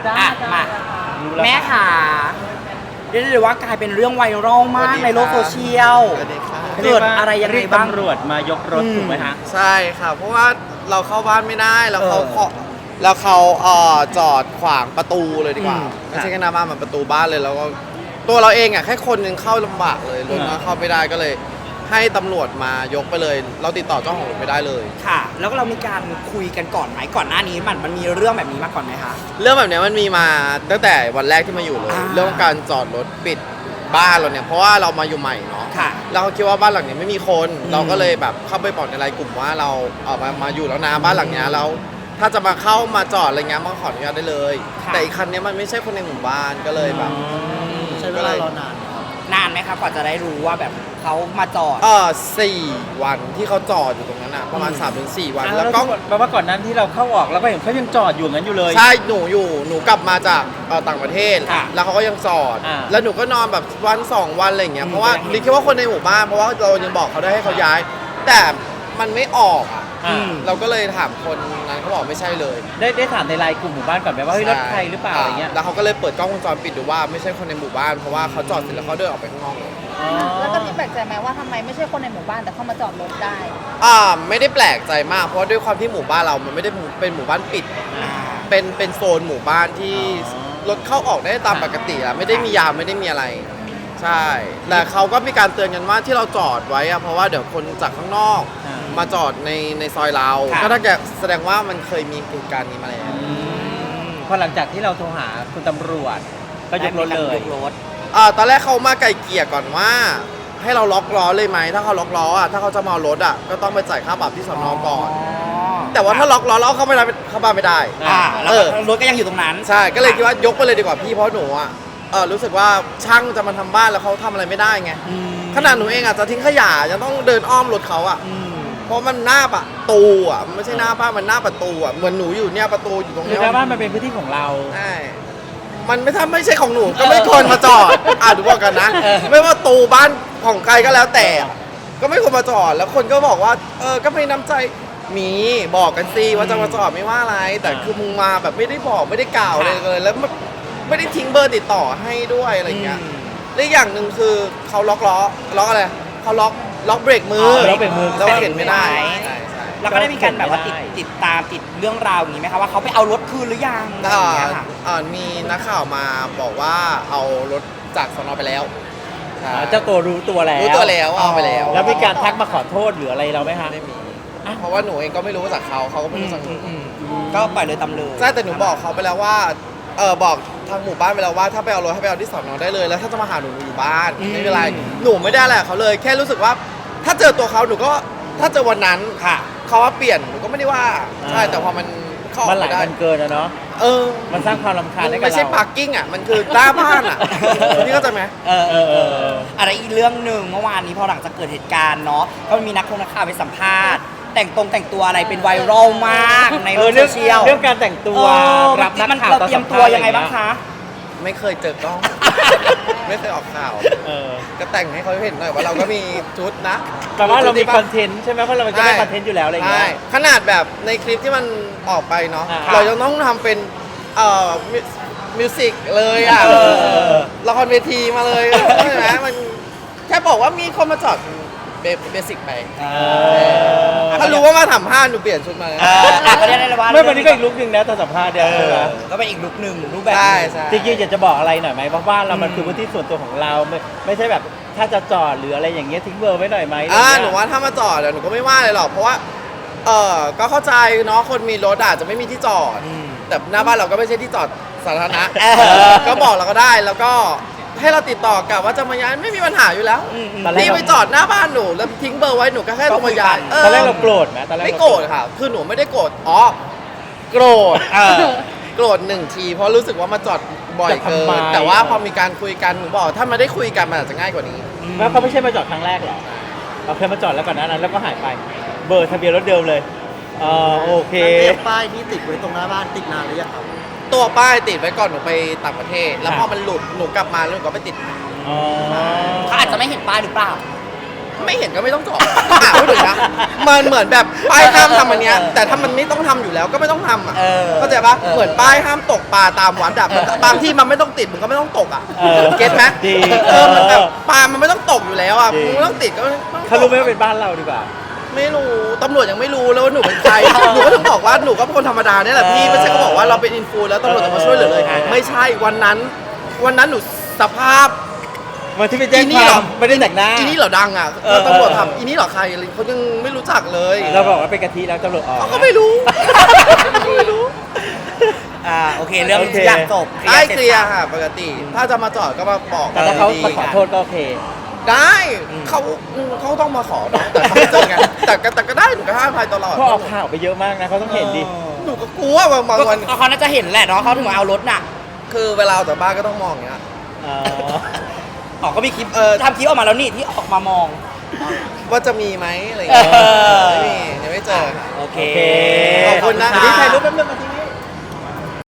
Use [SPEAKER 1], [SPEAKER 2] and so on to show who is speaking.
[SPEAKER 1] อ่ะมาแม่ค่ะเรียกได้เลยว่ากลายเป็นเรื่องไวรัลมากในโลกโซเชียลเกิดอะไรยังไงบ้าง
[SPEAKER 2] ตำรวจมายกรถถูกไหมฮะ
[SPEAKER 3] ใช่ค่ะเพราะว่าเราเข้าบ้านไม่ได้แล้วเขาจอดขวางประตูเลยดีกว่าไม่ใช่แค่หน้าบ้านมันประตูบ้านเลยแล้วก็ตัวเราเองอ่ะแค่คนนึงเข้าลำบากเลยรถก็เข้าไม่ได้ก็เลยให้ตำรวจมายกไปเลยเราติดต่อเจ้าของรถไม่ได้เลย
[SPEAKER 1] ค่ะแล้วก็เรามีการคุยกันก่อนไหมก่อนหน้านี้มันมีเรื่องแบบนี้มาก่อนไหมคะ
[SPEAKER 3] เรื่องแบบนี้มันมีมาตั้งแต่วันแรกที่มาอยู่เลยเรื่องการจอดรถปิดบ้านเราเนี่ยเพราะว่าเรามาอยู่ใหม่เนาะเราคิดว่าบ้านหลังนี้ไม่มีคนเราก็เลยแบบเข้าไปบอกในไลน์กลุ่มว่าเรามาอยู่แล้วนะบ้านหลังนี้แล้วถ้าจะมาเข้ามาจอดอะไรเงี้ยมาขออนุญาตได้เลยแต่อีกคันนี้มันไม่ใช่คนในหมู่บ้านก็เลยแบบ
[SPEAKER 4] ใช้เวลารอนาน
[SPEAKER 1] นานไหมครับกว่าจะได้รู้ว่าแบบเขามาจอด
[SPEAKER 3] 4 วันที่เขาจอดอยู่ตรงนั้นอ่ะประมาณ 3-4 วัน
[SPEAKER 2] แล้วก็แปลว่าก่อนนั้นที่เราเข้าออกแล้วก็เห็นเขายังจอดอยู่งั้นอยู่เลย
[SPEAKER 3] ใช่หนูกลับมาจากต่างประเทศแล้วเขาก็ยังจอดแล้วหนูก็นอนแบบวัน2 วันอะไรอย่างเงี้ยเพราะว่าดิคิดว่าคนในหมู่บ้านเพราะว่าเรายังบอกเขาได้ให้เขาย้ายแต่มันไม่ออกเราก็เลยถามคนนั้นเขาบอกไม่ใช่เลย
[SPEAKER 2] ได้ถามในไลน์กลุ่มหมู่บ้านก่อนไหมว่าเฮ้ยรถใครหรือเปล่าอะไรเงี้ย
[SPEAKER 3] แล้วเขาก็เลยเปิดกล้องวงจรปิดดูว่าไม่ใช่คนในหมู่บ้านเพราะว่าเขาจอดเสร็จแล้วเขาเดินออกไปข้างนอกเลย
[SPEAKER 5] แล้วก็ที่แปลกใจไหมว่าทำไมไม่ใช่คนในหมู่บ้านแต่เข้ามาจอดรถได้
[SPEAKER 3] ไม่ได้แปลกใจมากเพราะด้วยความที่หมู่บ้านเรามันไม่ได้เป็นหมู่บ้านปิดเป็นโซนหมู่บ้านที่รถเข้าออกได้ตามปกติอะไม่ได้มียามไม่ได้มีอะไรใช่แต่เขาก็มีการเตือนกันว่าที่เราจอดไว้อะเพราะว่าเดี๋ยวคนจากข้างนอกมาจอดในซอยเราก็ถ้าแสดงว่ามันเคยมีเหตุการณ์นี้มาแล้ว
[SPEAKER 2] พอหลังจากที่เราโทรหาคุณตำรวจก็ยกรถเลย
[SPEAKER 3] ตอนแรกเขามาไกลเกลี่ยก่อนว่าให้เราล็อกล้อเลยไหมถ้าเขาล็อกล้ออ่ะถ้าเขาจะมาเอารถอ่ะก็ต้องไปจ่ายค่าปรับที่สน.ก่อนแต่ว่าถ้าล็อกล้อแล้วเข้าบ้านไม่ได้
[SPEAKER 1] แล้วรถก็ยังอยู่ตรงนั้น
[SPEAKER 3] ใช่ก็เลยคิดว่ายกไปเลยดีกว่าพี่เพราะหนูอ่ะรู้สึกว่าช่างจะมาทำบ้านแล้วเขาทำอะไรไม่ได้ไงขนาดหนูเองอ่ะจะทิ้งขยะยังต้องเดินอ้อมรถเขาอ่ะเพราะมันหน้าประตูอ่ะมันไม่ใช่หน้าบ้านมันหน้าประตูอ่ะเหมือนหนูอยู่เนี่ยประตูอยู่ตรงนี้
[SPEAKER 2] หน้าบ้านมันเป็นพื้นที่ของเรา
[SPEAKER 3] ใช่มันไม่ใช่ของหนูก็ไม่ควรมาจอดดูบอกกันนะไม่ว่าตูบ้านของใครก็แล้วแต่ก็ไม่ควรมาจอดแล้วคนก็บอกว่าก็ไม่น้ำใจมีบอกกันสิว่าจะมาจอดไม่ว่าอะไรแต่คือมึงมาแบบไม่ได้บอกไม่ได้กล่าวเลยแล้วไม่ได้ทิ้งเบอร์ติดต่อให้ด้วยอะไรเงี้ยและอย่างหนึ่งคือเขาล็อกอะไรเขาล็อกเบรกมือเราเห็นไม่ได้
[SPEAKER 1] แล้วก็ได้มีการแบบว่าติดตามติดเรื่องราวอย่างนี้ไหมคะว่าเขาไปเอารถคืนหรือยัง
[SPEAKER 3] มีนักข่าวมาบอกว่าเอารถจากสน.ไปแล้ว
[SPEAKER 2] เจ้าตัวรู้ตัวแล้ว
[SPEAKER 3] เอาไปแล้ว
[SPEAKER 2] แล้วมีการทักมาขอโทษหรืออะไรเราไหมคะ
[SPEAKER 3] ไม่มีเพราะว่าหนูเองก็ไม่รู้จากเขาก็ไม่รู้จากหนู
[SPEAKER 1] ก็ปล่อยเลยตำเลย
[SPEAKER 3] ใช่แต่หนูบอกเขาไปแล้วว่าบอกทางหมู่บ้านไปแล้วว่าถ้าไปเอารถให้ไปเอาที่สน.ได้เลยแล้วถ้าจะมาหาหนูอยู่บ้านไม่เป็นไรหนูไม่ได้แหละเขาเลยแค่รู้สึกว่าถ้าเจอตัวเขาหนูก็ถ้าเจอวันนั้นเขาว่าเปลี่ยนหนูก็ไม่ได้ว่าใช่แต่พอมัน
[SPEAKER 2] มันหลายวันเกินแล้วเนาะมันสร้างความรำคาญให้กับเรา
[SPEAKER 3] ไม่ใช่พาร์กิ้งอ่ะมันคือหน้าบ้านอ่ะพี่เข้าใจไหม
[SPEAKER 1] อะไรอีกเรื่องหนึ่งเมื่อวานนี้พอหลังจากเกิดเหตุการณ์เนาะก็มีนักข่าวไปสัมภาษณ์แต่งตัวอะไรเป็นไวรัลมากในโลกโซเชียล
[SPEAKER 2] เรื่องการแต่งตัว
[SPEAKER 1] รับนักข่าวเราเตรียมตัวยังไงบ้างคะ
[SPEAKER 3] ไม่เคยเจอกล้องไม่เคยออกข่าวก็แต่งให้เขาเห็นหน่อยว่าเราก็มีชุดนะ
[SPEAKER 2] แต่ว่าเรามีคอนเทนต์ใช่ไหมเพราะเราจะได้คอนเทนต์อยู่แล้วอะไรเงี้ย
[SPEAKER 3] ขนาดแบบในคลิปที่มันออกไปเนาะเรายังต้องทำเป็นมิวสิกเลยอ่ะละครเวทีมาเลยใช่ไหมมันแค่บอกว่ามีคนมาจอดเบสิกไปถ้ารู้ว่ามาทำผ้าหนูเปลี่ยนชุดมา
[SPEAKER 1] ก็ได้เลยว่า
[SPEAKER 2] ไม่วันนี้ก็อีกลุคนึงนะตอนสัมภาษณ์เดียว
[SPEAKER 1] ก็เป็นอีกลุคนึงรูปแบบ
[SPEAKER 2] จริงๆอยากจะบอกอะไรหน่อยไหมเพราะว่าเรามันคือพื้นที่ส่วนตัวของเราไม่ใช่แบบถ้าจะจอดหรืออะไรอย่างเงี้ยทิ้งเบอร์ไว้หน่อยไหม
[SPEAKER 3] หนูว่าถ้ามาจอดหนูก็ไม่ว่าเลยหรอกเพราะว่าก็เข้าใจเนาะคนมีรถอาจจะไม่มีที่จอดแต่หน้าบ้านเราก็ไม่ใช่ที่จอดสาธารณะก็บอกเราก็ได้แล้วก็ให้เราติดต่อกับว่าจะมาย้ายไม่มีปัญหาอยู่แล้วพี่ไปจอดหน้าบ้านหนูแล้วทิ้งเบอร์ไว้หนูก็แค่ลงมาย้าย
[SPEAKER 2] ตอนแรกเราโกรธไหมตอนแรก
[SPEAKER 3] ไม่โกรธค่ะคือหนูไม่ได้โกรธโกรธ1 ทีเพราะรู้สึกว่ามาจอดบ่อยเกินแต่ว่าพอมีการคุยกันหนูบอกถ้ามาได้คุยกันมันอาจจะง่ายกว่านี้
[SPEAKER 2] แล้วเขาไม่ใช่มาจอดครั้งแรกหรอเราเคยมาจอดแล้วก่อนนั้นแล้วก็หายไปเบอร์ทะเบียนรถเดิมเลยโอเค
[SPEAKER 4] ป้ายที่ติดไว้ตรงหน้าบ้านติดนานหรือยังครับ
[SPEAKER 3] ตัวป้ายติดไว้ก่อนหนูไปต่างประเทศแล้วพอมันหลุดหนูกลับมาแล้วหนูก็ไปติด
[SPEAKER 1] เขาอาจจะไม่เห็นป้ายหรือเปล่า
[SPEAKER 3] ไม่เห็นก็ไม่ต้องจอดพูดถึงนะมันเหมือนแบบป้ายห้ามทำอันเนี้ยแต่ถ้ามันไม่ต้องทำอยู่แล้วก็ไม่ต้องทำอ่ะ
[SPEAKER 1] เออ
[SPEAKER 3] เข้าใจปะเหมือนป้ายห้ามตกปลาตามวัดอะบางที่มันไม่ต้องติดมึงก็ไม่ต้องตกอ่ะ
[SPEAKER 2] เออ
[SPEAKER 3] เก็ตไหม
[SPEAKER 2] จริง
[SPEAKER 3] มันแบบปลามันไม่ต้องตกอยู่แล้วอ่ะ
[SPEAKER 2] จริง
[SPEAKER 3] มึงไม่ต้องติดก็ไม่ต้องตก
[SPEAKER 2] เขารู้ไหมว่าเป็นบ้านเราดีกว่า
[SPEAKER 3] ไม่รู้ตำรวจยังไม่รู้แล้วว่าหนูเป็นใคร หนูก็ต้องบอกว่าหนูก็เป็นคนธรรมดาเนี่ยแหละพี่ไม่ใช่ก็บอกว่าเราเป็นอินฟูแล้วตำรวจจะมาช่วยเหลือเลย ไม่ใช่วันนั้นหนูสภาพ
[SPEAKER 2] วันที่ไปแจ้ง
[SPEAKER 3] อีนี่
[SPEAKER 2] ค
[SPEAKER 3] เหร
[SPEAKER 2] วา
[SPEAKER 3] อ
[SPEAKER 2] มไม่ได้แต่งหน้า
[SPEAKER 3] อีนี่เหรอดังอ่ะ
[SPEAKER 2] เออ
[SPEAKER 3] ตำรวจทำอีนี่เหรอใครอะไรเขายังไม่รู้จักเลย
[SPEAKER 2] เราบอกว่าเป็นกะทิแล้วตำรวจออก
[SPEAKER 3] เขาก็ไม่รู้ไม่รู้
[SPEAKER 1] โอเคเรื่อง
[SPEAKER 2] โอเค
[SPEAKER 1] ทุกอย่างจบ
[SPEAKER 3] ได้เคลียร์
[SPEAKER 1] สร็จ
[SPEAKER 3] ค่ะปกติ ถ้าจะมาจอดก็มาบอก
[SPEAKER 2] แต่ถ้าเขา
[SPEAKER 3] ดี
[SPEAKER 2] มา
[SPEAKER 3] ๆ
[SPEAKER 2] ขอโทษก็โอเค
[SPEAKER 3] ได้เขาต้องมาขอเนอะแต่เขาไม่เจอไงแต่ก็ได้หนูก็ให้อภัยตลอด
[SPEAKER 2] เพราะออกข่าวไปเยอะมากนะเขาต้องเห็นดิ
[SPEAKER 3] หนูก็กลัวบางวัน
[SPEAKER 1] ก็เขาน่าจะเห็นแหละเนาะเขาถึงมาเอารถน่ะ
[SPEAKER 3] คือเวลาออกจากบ้านก็ต้องมองอย่างเงี้ย
[SPEAKER 2] อ๋อ
[SPEAKER 1] ออกก็มีคลิปทำคลิปออกมาแล้วนี่ที่ออกมามอง
[SPEAKER 3] ว่าจะมีไหมอะไรอย่างเงี้ย
[SPEAKER 1] เออ
[SPEAKER 3] ไม่มียังไม่เจอ
[SPEAKER 1] โอเค
[SPEAKER 2] โอเค
[SPEAKER 3] ขอบคุณนะคะ
[SPEAKER 2] ที่ถ่ายรูปแป๊บนึงมาที่